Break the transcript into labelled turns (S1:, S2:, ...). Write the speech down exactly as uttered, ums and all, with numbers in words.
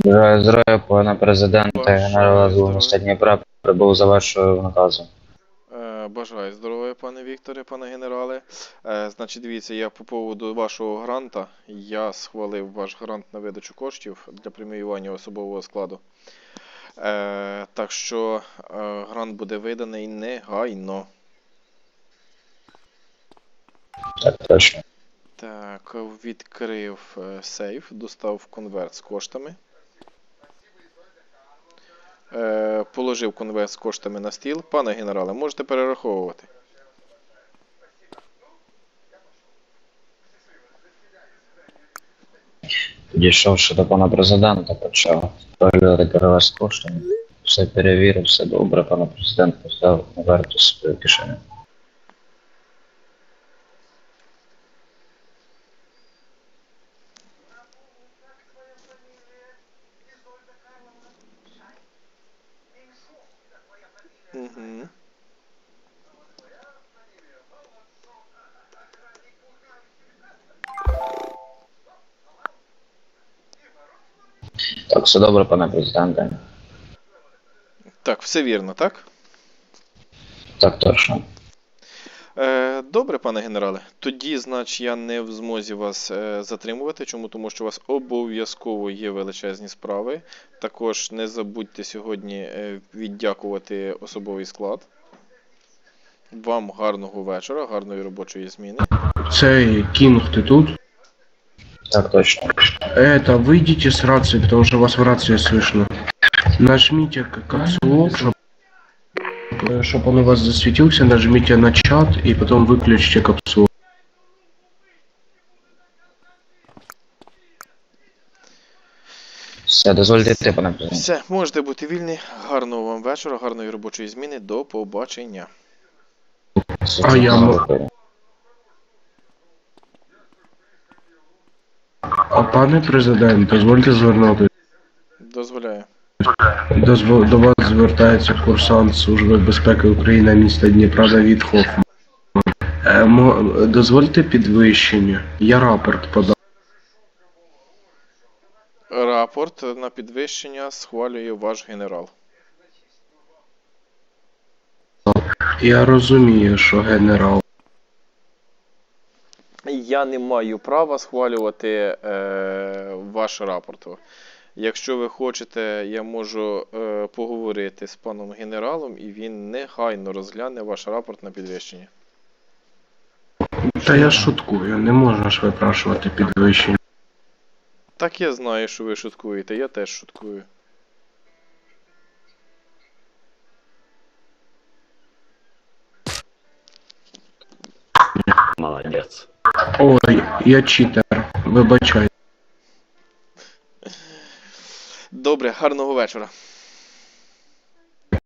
S1: Бажаю здоров'я, пане президенте, генерал
S2: Бажаю
S1: АЗУ міста
S2: здоров'я.
S1: Дніпра прибув за вашою наказом.
S2: Е, Бажаю здоров'я, пане Вікторе, пане генерале. Е, Значить, дивіться, я по поводу вашого гранта, я схвалив ваш грант на видачу коштів для преміювання особового складу. Е, Так що е, грант буде виданий негайно.
S1: Так точно.
S2: Так, відкрив е, сейф, достав конверт з коштами. Е, Положив конверт з коштами на стіл. Пане генерале, можете перераховувати.
S1: Підійшовши до пана президента, почав переглядати перевез коштами. Все перевірив, все добре, пане президент поставив конверт у свою кишеню.
S2: Угу.
S1: Так, все добре, пане президенте.
S2: Так, все вірно, так?
S1: Так точно.
S2: Е, Добре, пане генерале. Тоді, значить, я не в змозі вас е, затримувати. Чому? Тому що у вас обов'язково є величезні справи. Також не забудьте сьогодні е, віддякувати особовий склад. Вам гарного вечора, гарної робочої зміни.
S3: Цей Кинг, ты тут?
S1: Так точно.
S3: Это, выйдите с рации, потому что вас в рации слышно. Нажмите капсулок, чтобы, чтобы он у вас засветился, нажмите на чат и потом выключите капсулу.
S1: Все, дозвольте йти, пане президенте.
S2: Все, можете бути вільні. Гарного вам вечора, гарної робочої зміни. До побачення.
S3: А я м- А пане президент, дозвольте звернути.
S2: Дозволяю.
S3: Дозво- До вас звертається курсант Служби безпеки України міста Дніпра Давід Хофман. Е, мо- Дозвольте підвищення. Я рапорт подав.
S2: Рапорт на підвищення схвалює ваш генерал.
S3: Я розумію, що генерал.
S2: Я не маю права схвалювати е, ваш рапорт. Якщо ви хочете, я можу е, поговорити з паном генералом, і він негайно розгляне ваш рапорт на підвищення.
S3: Та я шуткую, не можна ж випрашувати підвищення.
S2: Так я знаю, що ви шуткуєте, я теж шуткую.
S4: Молодец.
S3: Ой, я читер, вибачай.
S2: Добре, гарного вечора.